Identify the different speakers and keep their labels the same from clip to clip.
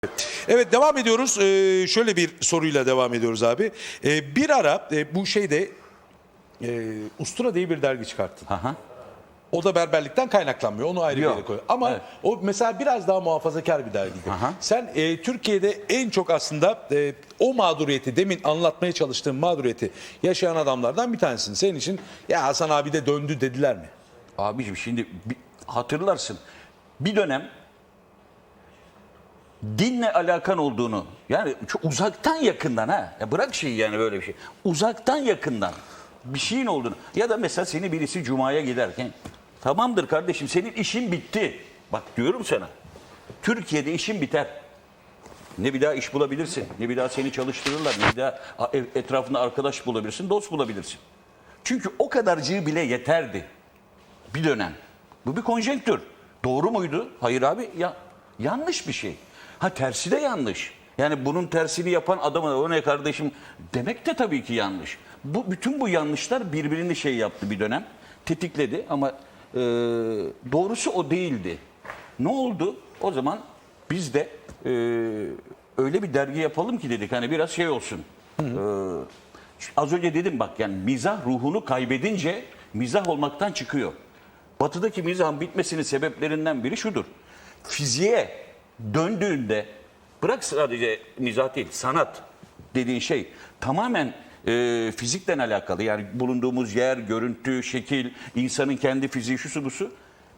Speaker 1: Evet, devam ediyoruz. Şöyle bir soruyla devam ediyoruz abi. Bir ara bu şeyde Ustura diye bir dergi çıkarttın.
Speaker 2: Aha.
Speaker 1: O da berberlikten kaynaklanmıyor. Onu ayrı bir
Speaker 2: Yok.
Speaker 1: yere koy. Ama
Speaker 2: Evet.
Speaker 1: o mesela biraz daha muhafazakar bir dergiydi.
Speaker 2: Aha.
Speaker 1: Sen Türkiye'de en çok aslında o mağduriyeti, demin anlatmaya çalıştığım mağduriyeti yaşayan adamlardan bir tanesin. Senin için ya Hasan abi de döndü dediler mi?
Speaker 2: Abiciğim şimdi hatırlarsın. Bir dönem dinle alakan olduğunu, yani çok uzaktan yakından, ha ya bırak şeyi, yani böyle bir şey. Uzaktan yakından bir şeyin olduğunu, ya da mesela seni birisi cumaya giderken, tamamdır kardeşim senin işin bitti. Bak diyorum sana. Türkiye'de işin biter. Ne bir daha iş bulabilirsin, ne bir daha seni çalıştırırlar, ne bir daha etrafında arkadaş bulabilirsin, dost bulabilirsin. Çünkü o kadarcığı bile yeterdi bir dönem. Bu bir konjonktür. Doğru muydu? Hayır abi, yanlış bir şey. Ha, tersi de yanlış. Yani bunun tersini yapan adama o ne kardeşim demek de tabii ki yanlış. Bütün bu yanlışlar birbirini şey yaptı bir dönem. Tetikledi ama doğrusu o değildi. Ne oldu? O zaman biz de öyle bir dergi yapalım ki dedik, hani biraz şey olsun. Az önce dedim bak, yani mizah ruhunu kaybedince mizah olmaktan çıkıyor. Batı'daki mizahın bitmesinin sebeplerinden biri şudur. Fiziğe döndüğünde, bırak sadece mizah değil, sanat dediğin şey tamamen fizikten alakalı. Yani bulunduğumuz yer, görüntü, şekil, insanın kendi fiziği, şusu busu.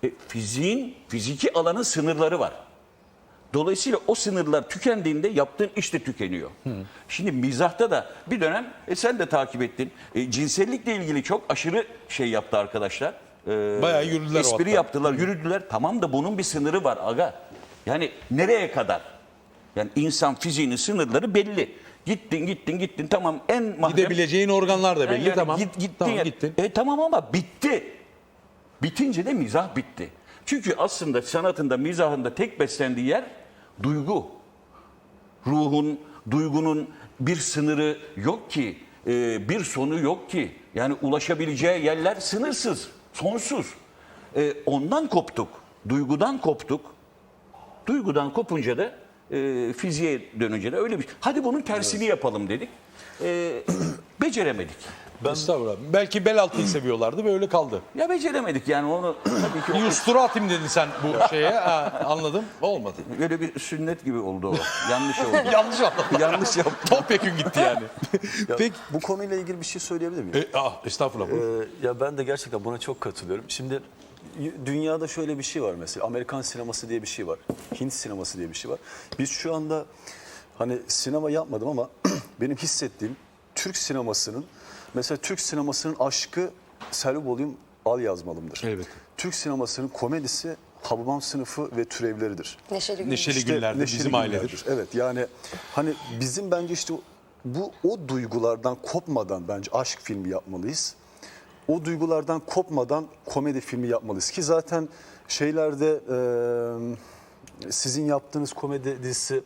Speaker 2: Fiziki alanın sınırları var. Dolayısıyla o sınırlar tükendiğinde yaptığın iş de tükeniyor. Şimdi mizahta da bir dönem sen de takip ettin. Cinsellikle ilgili çok aşırı şey yaptı arkadaşlar.
Speaker 1: Bayağı yürüdüler o
Speaker 2: espri
Speaker 1: hatta.
Speaker 2: yaptılar, yürüdüler. Tamam da bunun bir sınırı var aga. Yani nereye kadar? Yani insan fiziğinin sınırları belli. Gittin tamam, en mahrem.
Speaker 1: Gidebileceğin organlar da belli,
Speaker 2: Yani
Speaker 1: tamam.
Speaker 2: Gittin.
Speaker 1: Tamam, gittin.
Speaker 2: Tamam ama bitti. Bitince de mizah bitti. Çünkü aslında sanatında, mizahında tek beslendiği yer duygu. Ruhun, duygunun bir sınırı yok ki, bir sonu yok ki. Yani ulaşabileceği yerler sınırsız, sonsuz. Ondan koptuk, duygudan koptuk. Duygudan kopunca da fiziğe dönünce de öyle bir. Hadi bunun tersini yapalım dedik. Beceremedik.
Speaker 1: Estağfurullah. Belki bel altıyı seviyorlardı ve öyle kaldı.
Speaker 2: Ya beceremedik yani onu tabii ki.
Speaker 1: Bir ustura atayım dedin sen bu şeye. Ha, anladım. Olmadı.
Speaker 2: Böyle bir sünnet gibi oldu o. Yanlış oldu.
Speaker 1: Yanlış anladım.
Speaker 2: Yanlış yaptım.
Speaker 1: Topyekün gitti yani.
Speaker 3: Ya,
Speaker 1: Peki.
Speaker 3: bu konuyla ilgili bir şey söyleyebilir miyim?
Speaker 1: Estağfurullah. buyur.
Speaker 3: Ya ben de gerçekten buna çok katılıyorum. Şimdi dünyada şöyle bir şey var mesela. Amerikan sineması diye bir şey var. Hint sineması diye bir şey var. Biz şu anda hani sinema yapmadım ama benim hissettiğim Türk sinemasının, mesela Türk sinemasının aşkı Selvi Bolayım Al Yazmalım'dır.
Speaker 1: Evet.
Speaker 3: Türk sinemasının komedisi Hababam Sınıfı ve türevleridir.
Speaker 4: Neşeli Gün.
Speaker 1: Neşeli
Speaker 3: İşte
Speaker 1: günlerde
Speaker 3: neşeli
Speaker 1: bizim
Speaker 3: günlerdir.
Speaker 1: ailedir.
Speaker 3: Evet, yani hani bizim bence işte o duygulardan kopmadan bence aşk filmi yapmalıyız. O duygulardan kopmadan komedi filmi yapmalıyız ki zaten şeylerde sizin yaptığınız komedi dizisi,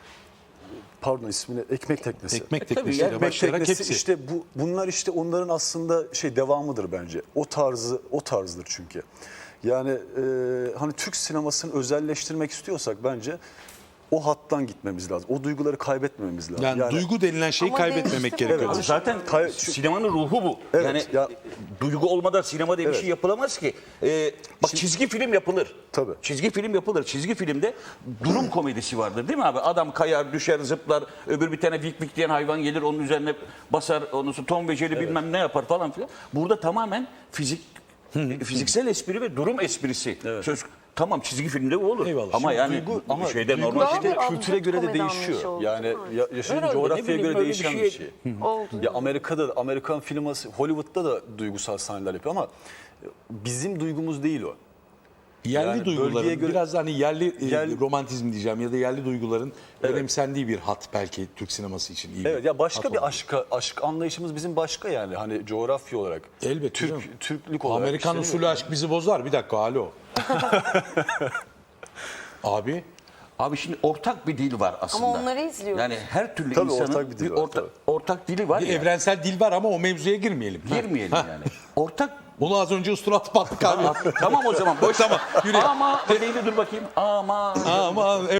Speaker 3: pardon ismini, Ekmek Teknesi.
Speaker 1: Ekmek
Speaker 2: tabii
Speaker 1: teknesiyle
Speaker 2: yani
Speaker 3: Ekmek
Speaker 1: başlayarak
Speaker 3: Teknesi
Speaker 1: hepsi.
Speaker 3: işte bunlar işte onların aslında devamıdır bence. O tarzdır çünkü. Yani hani Türk sinemasını özelleştirmek istiyorsak bence o hattan gitmemiz lazım. O duyguları kaybetmememiz lazım.
Speaker 1: Yani duygu denilen şeyi
Speaker 4: Ama
Speaker 1: kaybetmemek
Speaker 4: değişti mi?
Speaker 1: gerekiyor.
Speaker 4: Evet.
Speaker 2: Zaten sinemanın ruhu bu.
Speaker 3: Evet,
Speaker 2: Yani
Speaker 3: ya-
Speaker 2: duygu olmadan sinema diye bir
Speaker 3: Evet.
Speaker 2: şey yapılamaz ki. Bak, çizgi film yapılır.
Speaker 3: Tabii.
Speaker 2: Çizgi film yapılır. Çizgi filmde durum komedisi vardır değil mi abi? Adam kayar, düşer, zıplar. Öbür bir tane vik vik diyen hayvan gelir, onun üzerine basar. Ondan sonra Tom ve Jerry bilmem ne yapar falan filan. Burada tamamen fiziksel espri ve durum esprisi. Tamam, çizgi filmde bu olur.
Speaker 1: Eyvallah.
Speaker 2: Ama
Speaker 1: Şimdi
Speaker 2: yani
Speaker 3: ama
Speaker 2: şeyde
Speaker 3: duygu
Speaker 2: normal
Speaker 4: daha
Speaker 2: şeyde.
Speaker 4: bir
Speaker 3: kültüre göre de
Speaker 4: komedi anlayışı
Speaker 3: değişiyor.
Speaker 4: oldu,
Speaker 3: Yani
Speaker 4: değil mi?
Speaker 3: yaşadığın
Speaker 2: Herhalde, ne
Speaker 3: coğrafyaya
Speaker 2: bileyim,
Speaker 3: göre
Speaker 2: öyle bir
Speaker 3: değişen
Speaker 2: şey-
Speaker 3: bir şey.
Speaker 4: Oldu.
Speaker 3: Ya Amerika'da da, Amerikan filması, Hollywood'da da duygusal sahneler yapıyor ama bizim duygumuz değil o.
Speaker 1: Yerli
Speaker 3: Yani
Speaker 1: duyguların
Speaker 3: bölgeye göre-
Speaker 1: biraz da hani yerli
Speaker 3: Yerli-
Speaker 1: romantizm diyeceğim ya da yerli duyguların önemsendiği bir hat belki Türk sineması için iyi.
Speaker 3: Evet, ya başka
Speaker 1: hat
Speaker 3: bir
Speaker 1: olabilir.
Speaker 3: aşk anlayışımız bizim başka yani. Hani coğrafya olarak.
Speaker 1: Elbette canım.
Speaker 3: Türklük olarak.
Speaker 1: Amerikan
Speaker 3: işte
Speaker 1: usulü aşk bizi bozar. Bir dakika, alo. Abi.
Speaker 2: Abi şimdi ortak bir dil var aslında.
Speaker 4: Ama onları izliyoruz.
Speaker 2: Yani her türlü
Speaker 3: Tabii
Speaker 2: insanın
Speaker 3: ortak bir dil var, tabii.
Speaker 2: ortak dili var
Speaker 1: Bir
Speaker 2: ya.
Speaker 1: evrensel dil var ama o mevzuya girmeyelim.
Speaker 2: Girmeyelim yani. Ortak.
Speaker 1: Onu az önce ustura atıp attık abi.
Speaker 2: Tamam o zaman boş.
Speaker 1: Tamam, yürü.
Speaker 2: Ama öyleydi, dur bakayım. Ama.
Speaker 1: Aman